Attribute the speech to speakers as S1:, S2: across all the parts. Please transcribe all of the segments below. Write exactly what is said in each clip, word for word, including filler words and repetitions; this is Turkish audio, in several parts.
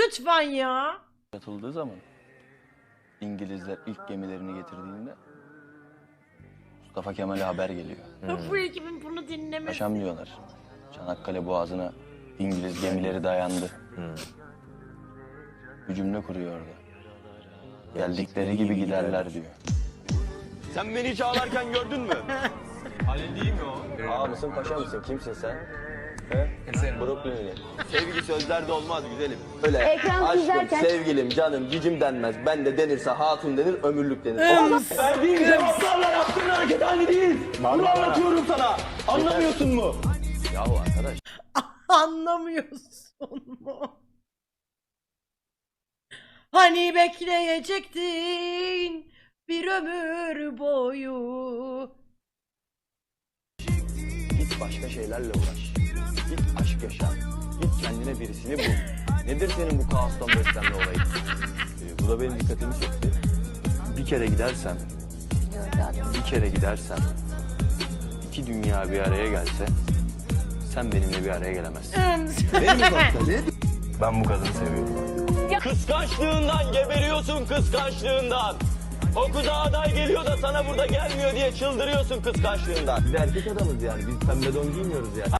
S1: Lütfen ya.
S2: Atıldığı zaman İngilizler ilk gemilerini getirdiğinde Mustafa Kemal'e haber geliyor.
S1: Bu ekibin bunu dinlemesi.
S2: Paşam diyorlar. Çanakkale Boğazı'na İngiliz gemileri dayandı. Bir cümle kuruyor orada. Geldikleri gibi giderler diyor.
S3: Sen beni hiç ağlarken gördün mü? Halil değil mi o?
S2: Ağa mısın paşa mısın? Kimsin sen? He? Brooklyn'li.
S3: Sevgi sözlerde olmaz güzelim.
S2: Öyle
S4: Ekran
S2: aşkım,
S4: izlerken-
S2: sevgilim, canım, cicim denmez. Ben de denirse hatun denir, ömürlük denir.
S1: Ims.
S3: Verdiğin cevaplarla yaptığın hareket aynı değil. Bunu anlatıyorum sana. Anlamıyorsun mu?
S2: Yahu arkadaş.
S1: Anlamıyorsun mu? Hani bekleyecektin bir ömür boyu.
S2: Git başka şeylerle uğraş. Git aşk yaşa. Git kendine birisini bul. Nedir senin bu kaostan beslenme olayın? Ee, bu da benim dikkatimi çekti. Bir kere gidersem, bir kere gidersem, iki dünya bir araya gelse, sen benimle bir araya gelemezsin.
S1: Ims.
S2: Ben bu kadını seviyorum.
S3: Kıskançlığından geberiyorsun kıskançlığından. O kıza aday geliyor da sana burada gelmiyor diye çıldırıyorsun kıskançlığından.
S2: Biz erkek adamız yani. Biz pembe don giymiyoruz yani.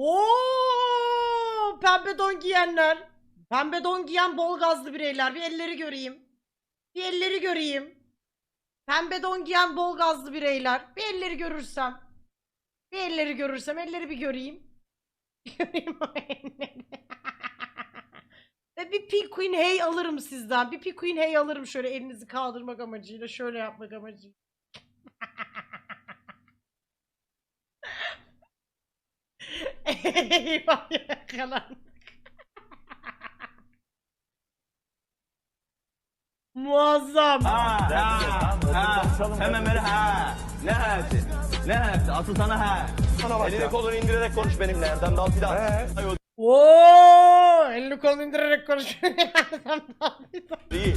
S1: Oo, pembe don giyenler. Pembe don giyen bol gazlı bireyler. Bir elleri göreyim. Bir elleri göreyim. Pembe don giyen bol gazlı bireyler. Bir elleri görürsem. Bir elleri görürsem. Elleri bir göreyim. Bir göreyim o elleri. Ve bir Pink Queen Hey alırım sizden. Bir Pink Queen Hey alırım şöyle elinizi kaldırmak amacıyla. Şöyle yapmak amacıyla. Eyvah yakalandık. Muazzam.
S3: Ha, ha, ha. Hemen böyle ha. Ne ha'si? Ne ha'si? Asıl sana ha. Elini kolunu indirerek konuş benimle Erdem Dal Fidan. Ay, o
S1: Oo, elini kolunu indirerek konuşuyor.
S3: değil.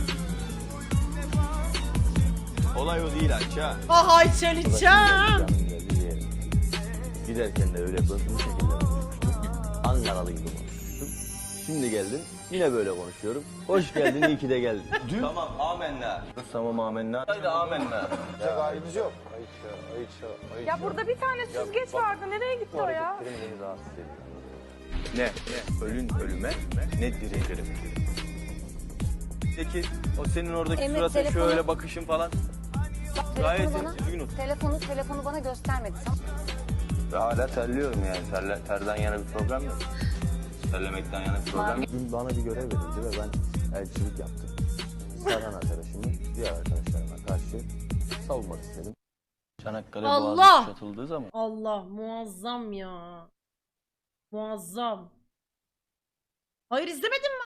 S3: Olay o değil Ayça.
S1: Ah Ayçel içeceğim.
S2: Giderken de öyle bu şekilde konuşmuştum. Ankaralıydım konuşmuştum. Şimdi geldim. Yine böyle konuşuyorum. Hoş geldin, iyi ki de geldin. Dün
S3: Tamam amenna.
S2: tamam amenna.
S3: Haydi amenna.
S2: Gayemiz yok. Ayça, Ayça, Ayça.
S5: Ya burada bir tane süzgeç vardı. Nereye gitti o ya?
S2: Beni rahatsız ediyor. Ne? ne? Ölün ölüme, ne dirilirim. Peki o senin oradaki
S4: Emre,
S2: suratın
S4: telefonu-
S2: şöyle bakışın falan. Gayet
S4: Telefonu bana,
S2: düzgün ol.
S4: telefonu, telefonu bana göstermedi.
S2: Hala terliyorum yani. Terle, terden yana bir problem yok. Terlemekten yana bir problem yok. Dün bana bir görev verildi ve ben elçilik yaptım. Serhan arkadaşımı diğer arkadaşlarıma karşı savunmak istedim. Çanakkale
S1: Allah!
S2: Boğazı kuşatıldığı zaman
S1: Allah muazzam ya. Muazzam. Hayır izlemedin mi?